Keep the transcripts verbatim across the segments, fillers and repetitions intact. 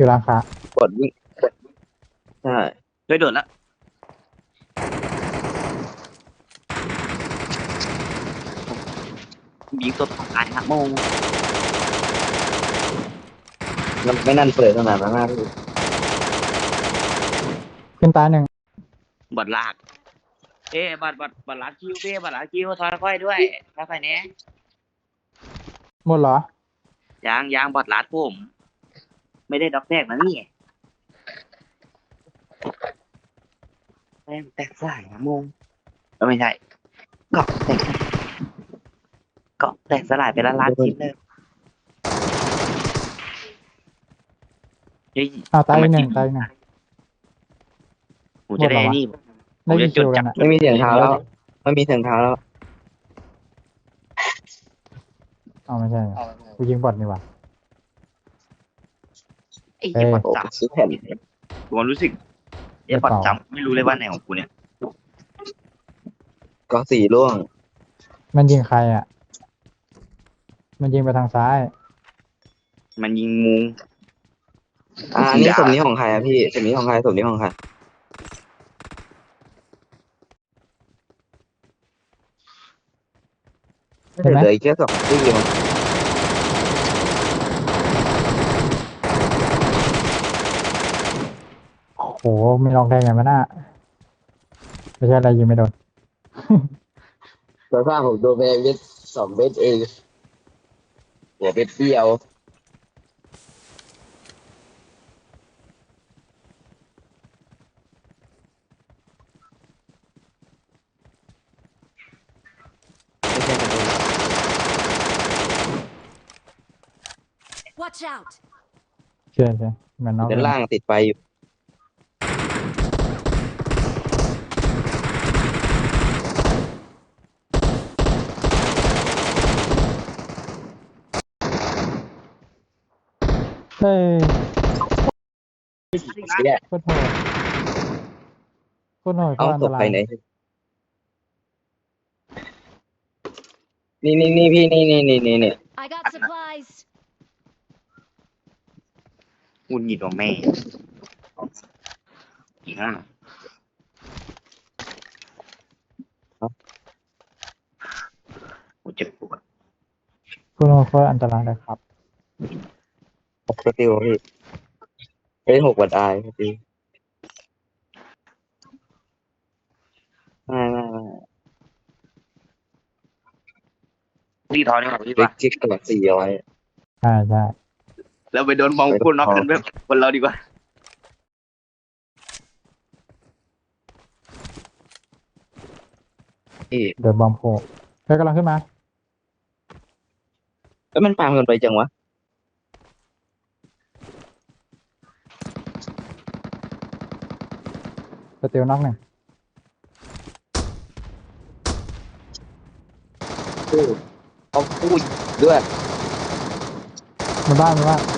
อยู่ร้านค้ากดวิ่งใช่ช่วยโดดแล้วยิงตัวตายครับโมงมันไม่นั่นเปิดขนาดนั้นนะพี่ขึ้นตายหนึ่งบอดลากเอ๊ะบอดบอดบอดลากคิวเบ้บอดลากคิวถอยค่อยด้วยค่อยๆเนี้ยหมดเหรอยางยางบอดลากผมไม่ได้ด็อกแตกนะนี่แม่งแตกสายครับโมงเออไม่ใช่เกาะแตกเกาะแตกสลายไปละล้านชิ้นเลยเฮ้ยอ้าวตายอีกหนึ่งทำไมตายอีกหนึ่งผมจะได้หมดเหรอวะนี่ ผได้มยิจะนจคิดวกันจำอะไม่มีเสียงเท้าแล้วไม่มีเสียงเท้าแล้วอ้าวไม่ใช่กูยิงบอทนี่หว่าไอ้เหี้ยบอดโอ้จับซื้อแผ่นผมรู้สึกไอ้บอดจับไม่รู้เลยว่าไหนของกูเนี่ยก็สี่ร่วงมันยิงใครอ่ะ มันยิงไปทางซ้ายมันยิงมุงอ่าอันนี้สมนี้ของใครอะพี่สมนี้ของใครสมนี้ของใครเห็นไหมเหลืออีกแค่สองที่มั้งโอ้โหไม่ลองได้ไงมันน่ะไม่ใช่อะไรยิงไม่โดนแต่ถ้าผมโดนไปเม็ดสองเม็ดเองหัวเม็ดเดียวไม่ใช่กระโดน Watch out! เชื่อใช่เหมือนน้องด้านล่างติดไฟอยู่เฮ้ยเนี่ยโคตรโหดโคตรโหดโคเอาตรอันตตกราไปยไหนนี่นี่นี่พี่นี่นี่นี่นี่นี่ I got supplies. หุ่นหงิดของแม่อีกอ่ะกูเจ็บปวดโคตรโหดโคตรอันตรายเลยครับหกสติลพี่เป็นหกวัดอายสติลไม่ไม่ไม่รีทอนนี่หรอพี่เล็ปะกจิกกับสี่เอาไว้ใช่ใช่เราไปโดนบอลกูน็อกกันแบบคนเราดีกว่าพี่เดินบอมโผล่เฮ้ยกำลังขึ้นมาแล้วมันปาเงินไปจังวะสเตีลน็อกหนึ่งเอาพูดด้วยมาบ้านมาบ้าน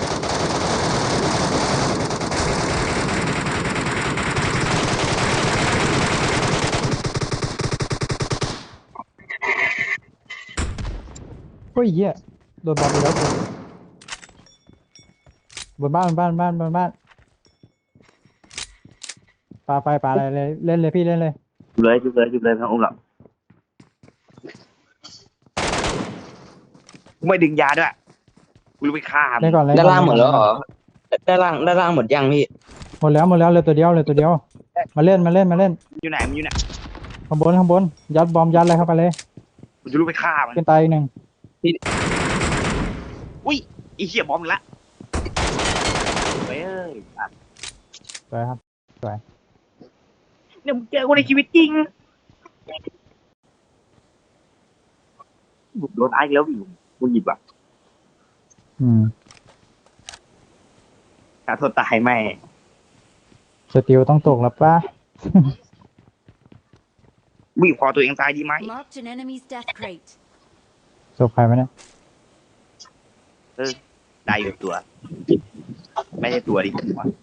เฮ้ยเหี้ยโดนบอมไปแล้วกูบนบ้านบนบ้านบ้านบนบ้านปาไฟปาอะไรเลยเล่นเลยพี่เล่นเลยจุบเลยจุบเลยจุบเลยทั้งองค์หรอกกูไม่ดึงยาด้วยกูรู้ไปฆ่าเล่นก่อนเล่นด้านก่อนล่างหมดแล้วเหรอด้านล่างด้านล่างหมดยังพี่หมดแล้วหมดแล้วเหลยตัวเดียวเหลยตัวเดียวมาเล่นมาเล่นมาเล่นอยู่ไหนมันอยู่ไหนข้างบนข้างบนยัดบอมยัดอะไรเข้าไปเลยกูจะรู้ไปฆ่ามันขึ้นตายอีกหนึ่งอุ้ยไอีเหี้ยบอมอีกละเว้ยอ่ะสวยครับเนี่ยมึงเจอกูในชีวิตจริงบุกโดนไอ้แล้วอยู่กูหยิบอ่ะอืมฆ่าโทษตายแม่สติลต้องตกแล้วป่ะวิ่งคอตัวเองตายดีไหม Marked an enemy's death crate. ศพใครวะเนี่ยได้อยู่ตัว ไม่ใช่ตัวดิวะ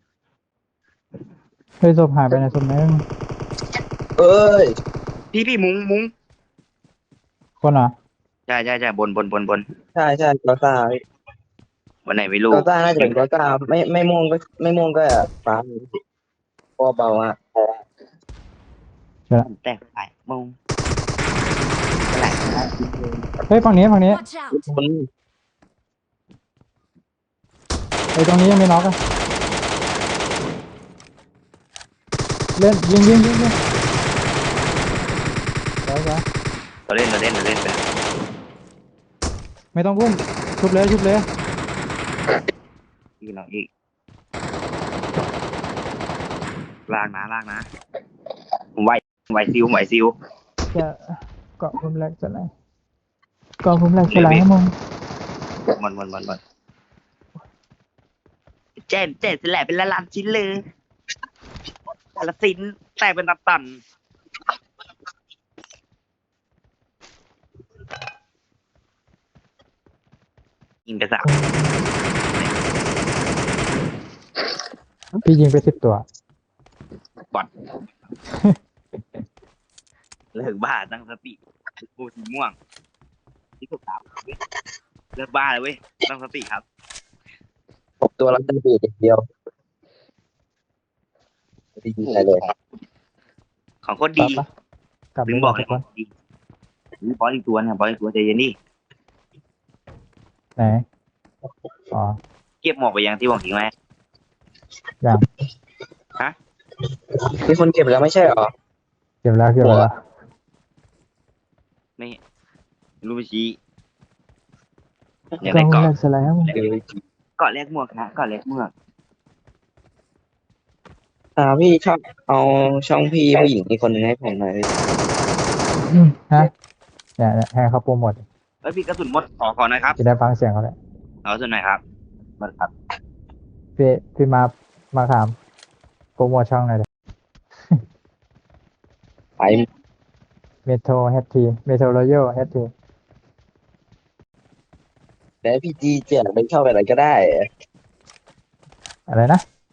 เฮ้ยศพหายไปในศพนึงเอ้ยพี่พี่มุ้งมุ้งคนเหรอใช่ใช่ใช่บนบนบนบนใช่ใช่กาซาพี่วันไหนไม่รู้ก็ต้าน่าจะเป็นก็ต้าไม่ไม่ม่วงก็ไม่ม่วงก็ฟ้าพอเบาอ่ะผมแตกสายโมงสลายนะเฮ้ยฝั่งนี้ฝั่งนี้ Watch out! คนไอ้ยตรงนี้ยังไม่น็อกอะเล่นยิงยิงยิงยิงไปไปเราเล่นเราเล่นเราเล่นไปไม่ต้องพุ่มชุบเลยชุบเลยอีกหน่อยอีกลากนะลากนะผมไหวผมไหวซิวผมไหวซิวจะเกาะพุ่มแรกจะไหนเกาะพุ่มแรกจะไหนให้มึงมันมันมันมันเจ็บเจ็บสลายเป็นละลานชิ้นเลยแต่ละสิ้นแตกเป็นตับตันยิงไปสามพี่ยิงไปสิบตัวบอดเลิกบ้าตั้งสติกูสีม่วงที่สุดครับเลิกบ้าเลยเว้ยตั้งสติครับผมตัวรับได้เบียดเดียวไม่ได้ยิงอะไรเลยของโคตรกลัดีบปะกลับถึเลงยบอกทุเลยกคนดีนี่บอสอีกตัวเนี่ยบอสอีกตัวใจเย็นดิไหนอ๋อเก็บหมอกไปยังที่หวังทิ้งไว้ยังมีคนเก็บแล้วไม่ใช่หรอเก็บแล้วเก็บแล้วไม่รู้ไปชี้อยากเกาะได้พุ่มเกาะแรกจะไหนให้มึงเออเกาะแรกหมวกนะเกาะแรกหมวกอ่าพี่ชอบเอาช่องพี่ผู้หญิงอีกคนหนึงให้ผมหน่อยพี่อืมฮะเนี่ยเนี่ยให้เขาโปรโมทเอ้ยพี่กระสุนหมดขอขอหน่อยครับจะได้ฟังเสียงเขาเลยเอากระสุนหน่อยครับหมดครับพี่พี่มามาถามโปรโมทช่องหน่อยเลยไปเมโทรเฮดทีเมโทรโรโยเฮดทีแล้วพี่จีเจียไปเข้าไปอะไรก็ได้อะไรนะ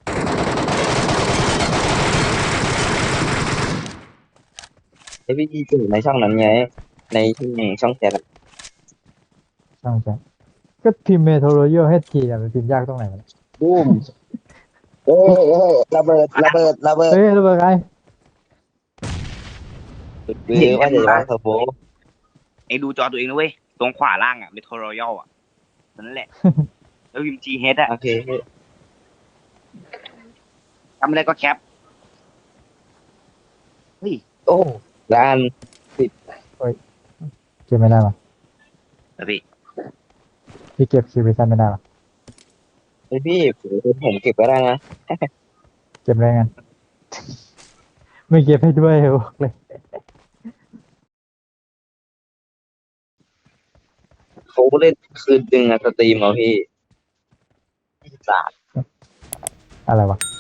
แล้วพี่จีเจียในช่องนั้นไง ในช่องช่องแชทอะช่องแชทก็พิมพ์เมโทรโรโยเฮดทีเนี่ยมันพิมพ์ยากตรงไหนวะเนี่ยบูมเอ้ยเอ้ยระเบิดระเบิดระเบิดเฮ้ยระเบิดไงคือว่าจะวางเทอร์โบไอ้ดูจอตัวเองนะเว้ยตรงขวาล่างอ่ะเมโทรรอยัลอ่ะนั่นแหละแล้วพิมพ์จีเฮดอ่ะโอเคพี่ทำอะไรก็แคปเฮ้ยโอ้ร้านเก็บไม่ได้ปะแล้วพี่พี่เก็บคิวบิชันไม่ได้ปะเฮ้ยพี่ผมเก็บไว้ได้นะเก็บได้ไง ไม่เก็บให้ด้วยบอกเลยเขาเล่นคืนดึงอะสตรีมเอาพี่สาดอะไรวะ